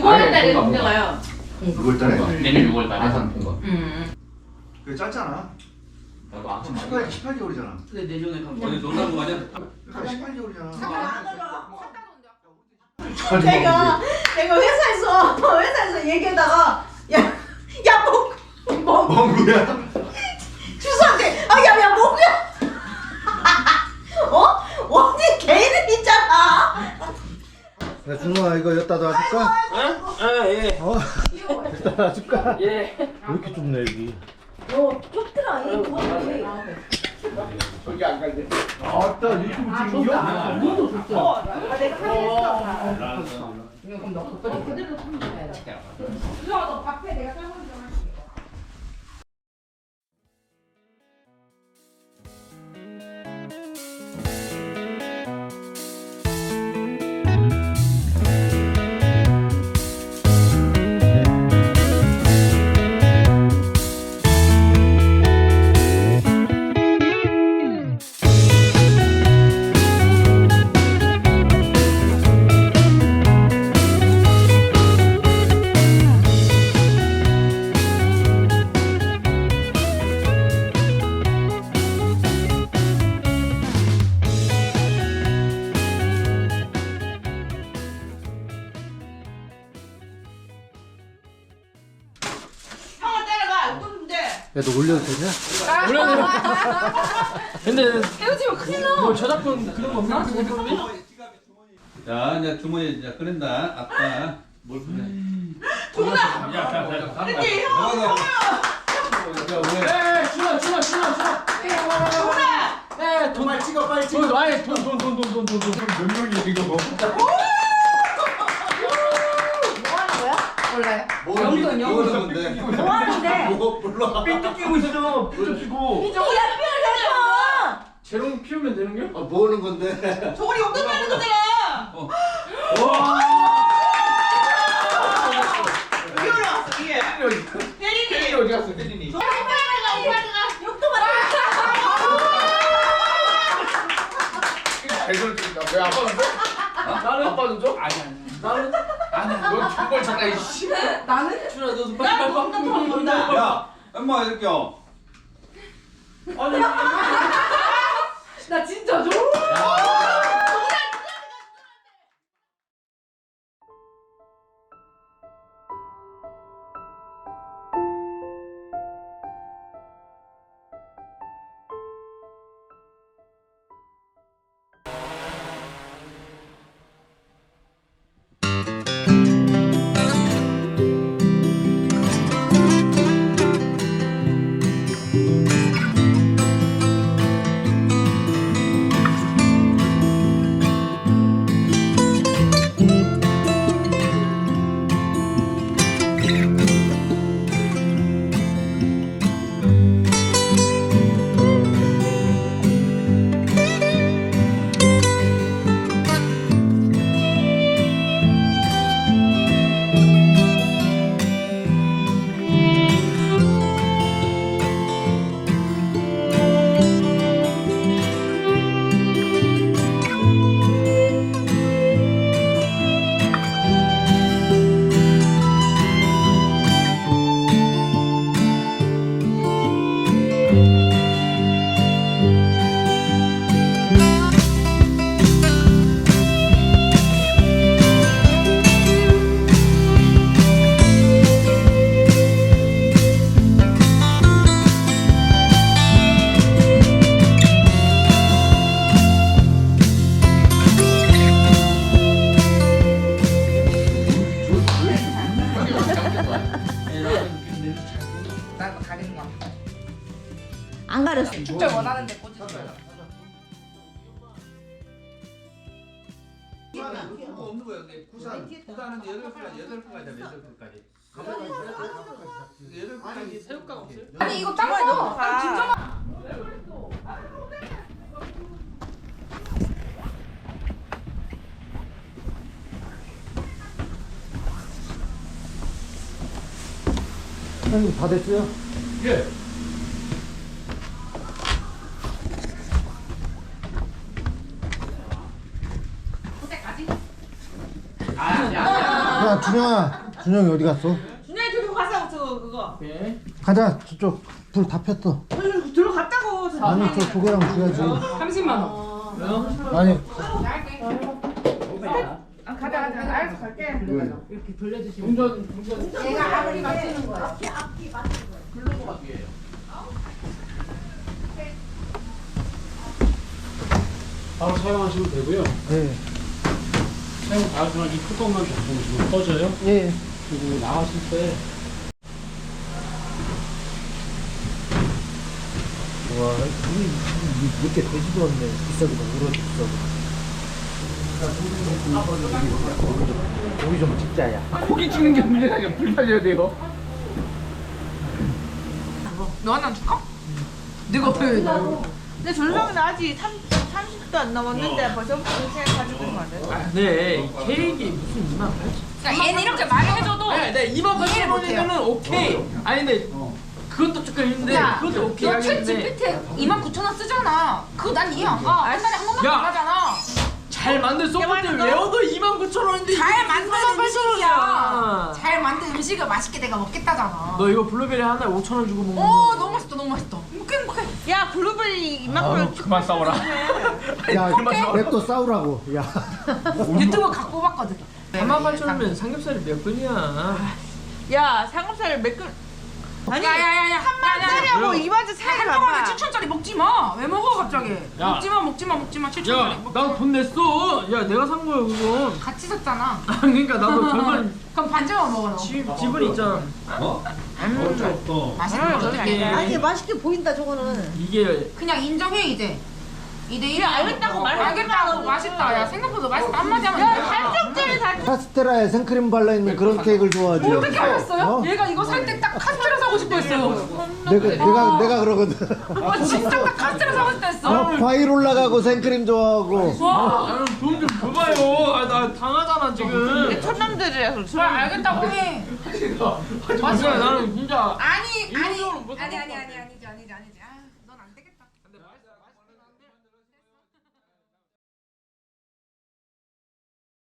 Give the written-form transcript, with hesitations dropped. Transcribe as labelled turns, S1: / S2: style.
S1: 6월달에 공개가요.
S2: 6월달에?
S3: 내년 6월달에.
S4: 아산 본 거.
S2: 그게 짧잖아.
S3: 나도 아산 많이
S2: 18개월이잖아.
S3: 근데 내년에 가면
S5: 어디 놀라고 가냐?
S2: 그러니까 18개월이잖아.
S1: 내가 회사에서 얘기하다가 뭐
S2: 멍구야.
S1: 주소한테 야 뭐야? 어디 개이름 있잖아.
S6: 야 준호아 이거 여기다 놔줄까?
S3: 예.
S6: 여기다 놔줄까?
S3: 예.
S6: 왜 이렇게 좁네 여기?
S1: 좁더라 이 거기.
S3: 저기 안 갈래.
S6: 아따 유튜브 찍는겨?
S1: 내가 확인했어. 그럼 너 그대로 참고해. 너 밥해 내가 삶은 좀 할게. 형을 따라가. 어떤데?
S6: 야 너 올려도 되냐?
S3: 근데
S1: 헤어지면 큰일 나.
S3: 뭐 저작권 그런 거 없나?
S5: 자, 이제 주머니 이제 꺼낸다. 아빠. 뭘 꺼내?
S1: 도나. 근데 형.
S5: 야, 왜?
S3: 에 준아.
S1: 도나.
S3: 에 돈.
S6: 빨리 찍어 빨리 찍어.
S3: 돈 아예 돈.
S2: 몇 명이 이거
S1: 뭐 하는 거야? 몰라요.
S5: 영돈, 영돈.
S1: 뭐 하는데?
S2: 몰라.
S3: 삐뚤 끼고 있어. 삐뚤 끼고.
S1: 이제 우리 앞에
S3: 재롱 피우면 되는 게?
S2: 뭐 하는 건데?
S1: 저거리 용돈 내는 거잖아.
S3: 와.
S1: 이리 올라왔어 이게. 혜린이.
S3: 어디 갔어, 혜린이?
S1: 오빠가 욕도 받아.
S3: 배설 주니까 왜 아빠는 줘? 나는 아빠는 줘? 아니. 나는 넌 정말 장난 이씨.
S1: 나는?
S3: 준아 너도
S1: 나 돈다 돈 돈다.
S5: 야, 엄마 이렇게 요.
S3: 아니.
S1: 나 진짜 줘. 안 가렸어. 축제 원하는데 꽂으세요.
S5: 없는 거야. 부산은 8분까지 8분까지.
S3: 새우깡 없어요?
S1: 아니 이거 딴 거. 진짜.
S6: 사장님 다 됐어요?
S5: 예.
S1: 그때까지?
S3: 아니.
S6: 야 준영이 어디 갔어?
S1: 준영이 들고 가서 그거.
S6: 가자 저쪽 불 다 폈어.
S1: 들어갔다고.
S6: 아니 저 조개랑 줘야지.
S1: 30만 원.
S6: 아니
S1: 가자. 알았어 갈게.
S3: 이렇게 돌려주시면. 동전.
S1: 얘가 아무리 맞추는 거야.
S3: 글로버가 뒤에요.
S4: 바로 사용하시면 되고요.
S6: 예.
S4: 사용 다 하시면 이 뚜껑만 닫아주시면 꺼져요.
S6: 예.
S4: 그리고 나가실 때
S6: 와 이렇게 되지도 않네. 비싸기도 오래 비싸고. 고기 좀 찍자야.
S3: 고기 찍는 게 문제가 아니라 불 살려야 돼요.
S1: 너 하나 줄까? 내가 왜? 근데 전성은 아직 30도 안 넘었는데 벌써부터 그렇게 가지고 있는 거 아니야?
S3: 네, 케이크 무슨 2만 8천.
S1: 그러니까 얘는 이렇게 말해줘도
S3: 네, 2만 8천 원이면은 오케이. 아니 근데 그것도 조금 힘든데 그것도 오케이
S1: 너 챗
S3: 하겠는데.
S1: GPT 29,000원 쓰잖아. 그거 난 이해 안 가. 한 달에 한 번만
S3: 야.
S1: 나가잖아.
S3: 잘 만든 소프트웨어 외워도 2만 9천 원인데
S1: 잘 만든
S3: 2만 8천
S1: 음식이야.
S3: 원이야.
S1: 잘 만든 음식을 맛있게 내가 먹겠다잖아.
S3: 너 이거 블루베리 하나에 5천 원 주고 먹는
S1: 오
S3: 거.
S1: 너무 맛있다 너무 맛있다. 행복해. 야 블루베리 이만큼
S3: 그만 싸워라.
S6: 야
S3: 그만 싸워라.
S6: 냅둬 싸우라고. 야.
S1: 유튜브 갖고 봤거든.
S3: 4만 8천 원이면 삼겹살이 몇 근이야?
S1: 야 삼겹살 몇 근? 아니 야야야야 한
S3: 왜요?
S1: 2만짜리 차이 가. 7천짜리 먹지 마. 왜 먹어 갑자기?
S3: 야.
S1: 먹지 마 7천짜리.
S3: 야, 나 돈 냈어. 야, 내가 산 거야 그건.
S1: 같이 샀잖아.
S3: 그러니까 나도 절반
S1: 그럼 반절만 먹어 너.
S3: 지분 있잖아.
S5: 어?
S1: 맛있는 거 어떻게?
S7: 아니 맛있게 보인다 저거는.
S3: 이게
S1: 그냥 인정해 이제. 2대1 알겠다고 말해. 알겠다고 맛있다. 야 생각보다 맛있다 한마디 하면 야 한쪽짜리 다.
S6: 카스테라에 생크림 발라 있는 그런 케이크를 좋아하지.
S1: 어떻게 알았어요?
S6: 어?
S1: 얘가 이거 살 때 딱 카스테라 사고 싶어 했어요.
S6: 내가 그러거든.
S1: 진짜 딱 카스테라 사고 싶어 했어.
S6: 과일 올라가고 생크림 좋아하고.
S3: 나는 돈 좀 줘봐요. 아, 나 당하잖아 지금.
S1: 천남들이라서. 그래 알겠다고 해.
S3: 맞아, 나는 진짜
S1: 아니지.
S3: 일부러 못
S1: 아니지.